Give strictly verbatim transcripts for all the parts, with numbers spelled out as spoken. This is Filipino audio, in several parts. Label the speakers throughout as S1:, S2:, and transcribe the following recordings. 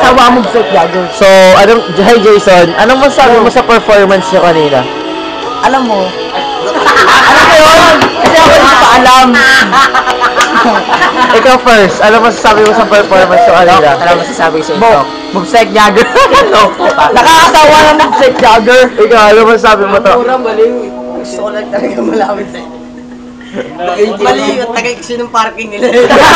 S1: Ginawa mo sa jogger.
S2: So, anong, hi Jason, anong masabi mo sa performance niyo kanina?
S1: Alam mo, alam mo yun? Kasi ako hindi pa alam.
S2: Ikaw first, ano masasabi mo sa performance niyo kanina?
S1: Ano masasabi ko sa ito? Mobsec jogger. Nakakatawa ng mobsec jogger.
S2: Ikaw, ano masasabi mo to?
S3: Murang baliw. Gusto ko lang talaga malaman sa'yo. Mali yung tagay kasi ng parking nila.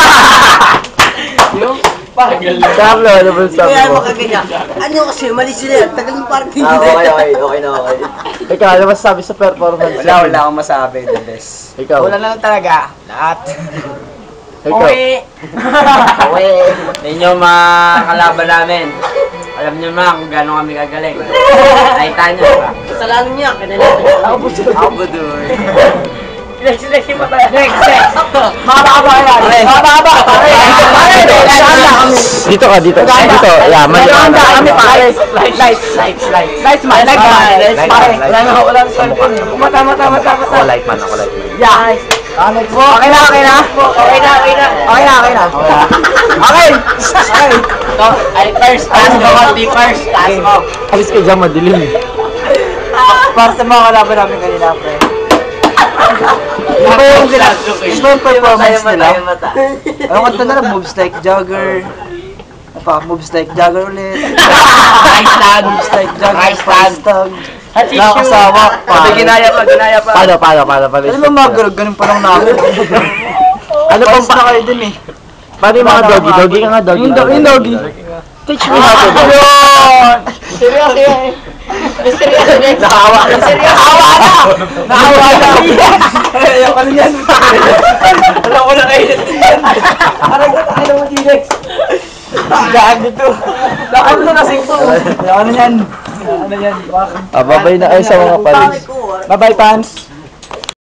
S3: Yung parking.
S2: Carlo, ano masasabi
S3: Kaya
S2: mo?
S3: makaganyan. Ano kasi, mali sila. Tagal ng parking
S4: Ah,
S3: nila.
S4: okay, okay, okay na okay.
S2: Ikaw, ano masasabi sa performance?
S4: Wala, wala akong masabi, the best.
S2: Ikaw.
S1: Wala lang talaga. Lahat.
S2: Ikaw.
S1: Okay.
S4: Okay. Ninyo mga kalaban namin. Alam niyo mga kung gaano kami kagaling. Nakita niyo ba?
S3: Kasalanan niya. Kanila.
S1: Ako po siya.
S4: Ako ba doon?
S1: Next, next, next. Next, next. Mahaba-haba yan. Mahaba-haba. Pare. Pare.
S2: Dito ka, dito. Dito, yeah, mali.
S1: Handa kami pare. Lights, lights, lights, lights. Lights man, lights man. Lights pare. Wala na, wala na. Mata, mata, mata, mata.
S2: Ako light man, ako light man.
S1: Yeah. Okay na, okay na. Okay na, okay na. Okay na, okay na. Okay. Okay.
S3: Ito, ay first. Taas mo, di first. Taas mo.
S2: Alis ka dyan, madilim.
S1: Para sa mga kalaban namin kanina, pre. Iba yung sila, iba yung performance nila. Ano kanta na lang, moves like jogger. Ano pa, moves like jogger ulit.
S3: Rice stand.
S1: Moves like jogger,
S3: Rice stand.
S1: pastag. Nakakasawa pa.
S4: Sabi, ginaya pa, ginaya pa.
S2: Paano, paano, paano, paano?
S1: Ano ba mga garag, ganun pa lang namin.
S2: Ano pang
S1: na kayo dun eh.
S2: Paano yung mga doggy? Doggy ka nga, doggy.
S1: Yung do- yung doggy.
S2: Teach me how to do.
S1: Yun! Seryoso yan. Seryoso yan. Nakawa na. Seryoso. Nakawa na. Nakawa na. Ayoko na yan. Alam ko na kayo. Parang na tayo ng T-Rex. Gaan dito. Gaan na nasing to. Ayoko na yan. Ano yan?
S2: Ah, babay na kayo sa mga palis.
S1: Bye-bye, fans.